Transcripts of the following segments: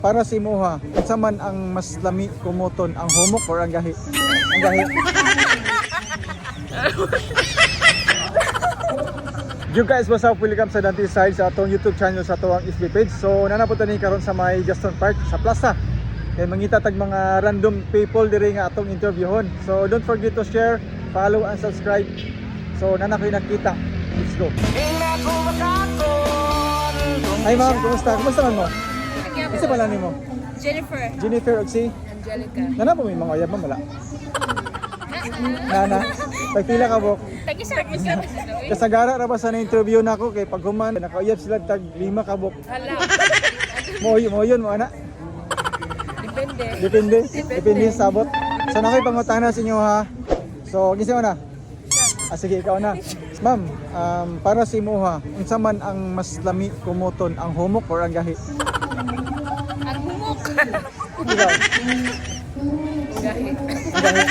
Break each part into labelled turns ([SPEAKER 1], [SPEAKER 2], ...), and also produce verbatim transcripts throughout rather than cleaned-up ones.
[SPEAKER 1] Para si Moha, unsa man ang mas lami kumuton, ang humok or ang gahi? Ang gahi. You guys, what's up? Welcome sa Dante Style sa atong YouTube channel sa atong F B page. So nanapunta ni karon sa may Gaston Park sa plaza. Kay mangita tag mga random people diri nga atong interviewon. So don't forget to share, follow and subscribe. So nana koy nakita. Let's go. Hi ma'am, kumusta? Kumusta man mo? Isa pala nimo?
[SPEAKER 2] Jennifer.
[SPEAKER 1] Jennifer og si
[SPEAKER 2] Angelica.
[SPEAKER 1] Nana po may mga uyab ma'am wala. Nana, pagpila ka bok.
[SPEAKER 2] Tag-isa. Tag-isa.
[SPEAKER 1] Kasagara ra ba sa na-interview nako kay pag human nakauyab sila tag lima ka bok.
[SPEAKER 2] Hala.
[SPEAKER 1] Mo mo yun mo ana.
[SPEAKER 2] Depende.
[SPEAKER 1] Depende. Depende sa sabot. So na koy pangutana sa inyo ha. So gisa mo na. Ah, sige, ikaw na. Ma'am, um, para si Moha, unsa man ang mas lami kumuton, ang humok or ang gahi?
[SPEAKER 2] Ang humok.
[SPEAKER 1] Ikaw.
[SPEAKER 2] Gahi.
[SPEAKER 1] Ang gahi.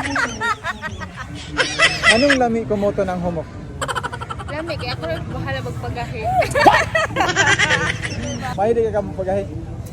[SPEAKER 1] Anong lami kumuton ang humok?
[SPEAKER 2] Lami, kaya ako rin bahala magpagahi.
[SPEAKER 1] Mahilig ka ka pagahi.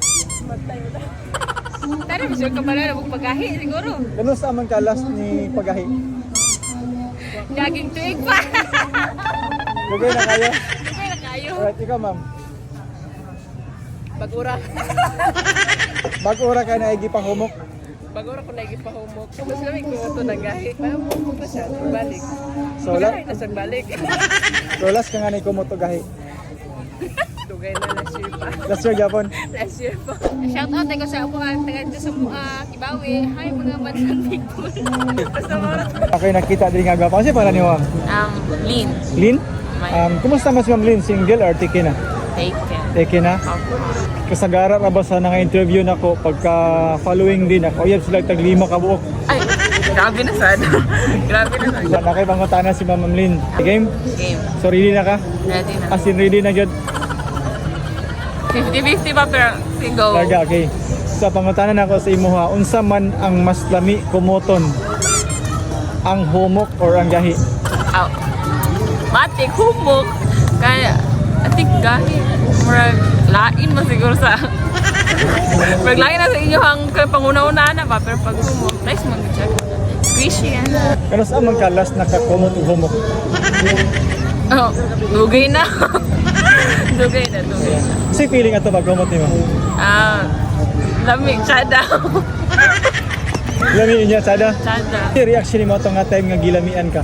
[SPEAKER 2] Tara, sure ka pala na magpagahi, siguro.
[SPEAKER 1] Ganun sa amang kalas ni pagahi?
[SPEAKER 2] Daging tuig pa.
[SPEAKER 1] Lugay na kayo?
[SPEAKER 2] Lugay na kayo.
[SPEAKER 1] Alright, ikaw ma'am.
[SPEAKER 2] Bagura.
[SPEAKER 1] Bag-ura ka na igi pang humok.
[SPEAKER 2] Bagura ko lagi pa humok. Mas kami ko ito na gahi. Parang humok na siya, nagbalik.
[SPEAKER 1] So, la
[SPEAKER 2] Magahi na siya balik.
[SPEAKER 1] so last ka nga na kumuto gahi.
[SPEAKER 2] Lugay na last year pa.
[SPEAKER 1] Last year Japon.
[SPEAKER 2] Last year pa. Shout out ko sa ako ang taga dito sa uh, Kibawi. Hi mga bansang people. Basta mga
[SPEAKER 1] Okay, nakita din nga gwapo. Kasi pala ni ma'am?
[SPEAKER 2] Um, Lin.
[SPEAKER 1] Lin? Um, kumusta mas ma'am Lin? Single or tiki na?
[SPEAKER 2] Taken.
[SPEAKER 1] Tiki na? Kasagara ra ba sa nanga-interview nako pagka following din ako. Oyab sila tag lima ka buok.
[SPEAKER 2] Ay, grabe na sad. Grabe na sad.
[SPEAKER 1] So, nakay pangutana si Ma'am Lin. Game?
[SPEAKER 2] Game.
[SPEAKER 1] So ready na ka?
[SPEAKER 2] Ready na.
[SPEAKER 1] As in ready na jud.
[SPEAKER 2] fifty fifty pa pero single.
[SPEAKER 1] Larga, okay. So pangutana nako sa imo ha, unsa man ang mas lami kumuton? Ang humok or ang gahi?
[SPEAKER 2] Aw. Matik humok. Kaya atik gahi. Murag lain man siguro sa pag lain na sa inyo ang panguna-una na ba pero pag humok nice man siya. Squishy yan.
[SPEAKER 1] Kano sa amang kalas nakakumot og humok?
[SPEAKER 2] Oh, dugay na. dugay na, dugay.
[SPEAKER 1] Kasi feeling ato pag humot nimo.
[SPEAKER 2] Ah, lamig siya daw.
[SPEAKER 1] Lami niya sada.
[SPEAKER 2] Sada.
[SPEAKER 1] Si reaction nimo atong nga time nga gilamian ka.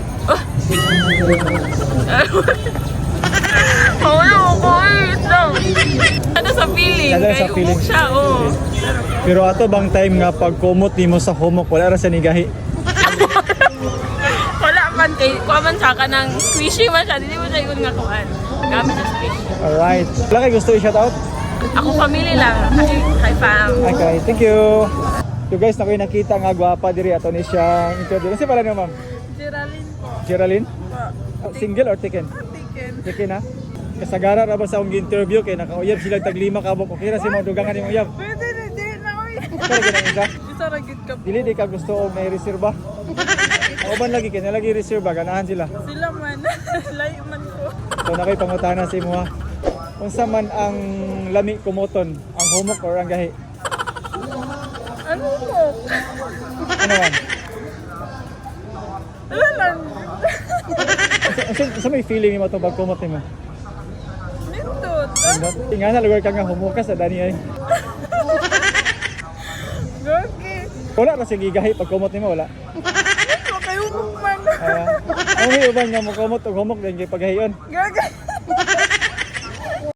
[SPEAKER 2] Oh, ano ko ito? Ano sa feeling?
[SPEAKER 1] Sada sa
[SPEAKER 2] Kay
[SPEAKER 1] feeling.
[SPEAKER 2] umok siya, oh.
[SPEAKER 1] Pero ato bang time nga pag kumot nimo sa humok wala ra sa ni gahi?
[SPEAKER 2] Wala man kay kuha man siya ka ng squishy man siya. Hindi mo siya yun nga kuhaan. Gamit sa squishy.
[SPEAKER 1] Alright. Wala kay gusto i-shout out?
[SPEAKER 2] Ako family lang. Hi, hi fam.
[SPEAKER 1] Okay, thank you. So guys, nakoy nakita nga gwapa diri ato ni siya interview. Kasi pala niyo ma'am?
[SPEAKER 2] Geraldine po.
[SPEAKER 1] Geraldine? Single or taken?
[SPEAKER 2] Taken.
[SPEAKER 1] Taken na? Kasagara ra ba sa akong interview kay nakauyab sila tag lima ka bok. Okay ra si mga dugangan imong uyab.
[SPEAKER 2] Pwede na, di na oy.
[SPEAKER 1] Kaya ganang isa.
[SPEAKER 2] Isa ra gid ka.
[SPEAKER 1] Dili di ka gusto og may reserba. Ako ba lagi kay nalagi reserba ganahan sila.
[SPEAKER 2] Sila man. Layo man ko.
[SPEAKER 1] So nakay pangutana sa imo ha. Unsa man ang lami kumuton, ang humok or ang gahi?
[SPEAKER 2] Ano mo?
[SPEAKER 1] Ano man?
[SPEAKER 2] Wala lang.
[SPEAKER 1] Unsa unsa may feeling nimo to pag kumot nimo?
[SPEAKER 2] Nindot.
[SPEAKER 1] Tingnan na lugar ka nga humukas sa dani ay.
[SPEAKER 2] Gogi.
[SPEAKER 1] Wala ra sige gahi pag kumot nimo wala.
[SPEAKER 2] Ito kayo man.
[SPEAKER 1] Ah, uh, may uban nga mo kumot og humok din kay paghayon.
[SPEAKER 2] Gaga.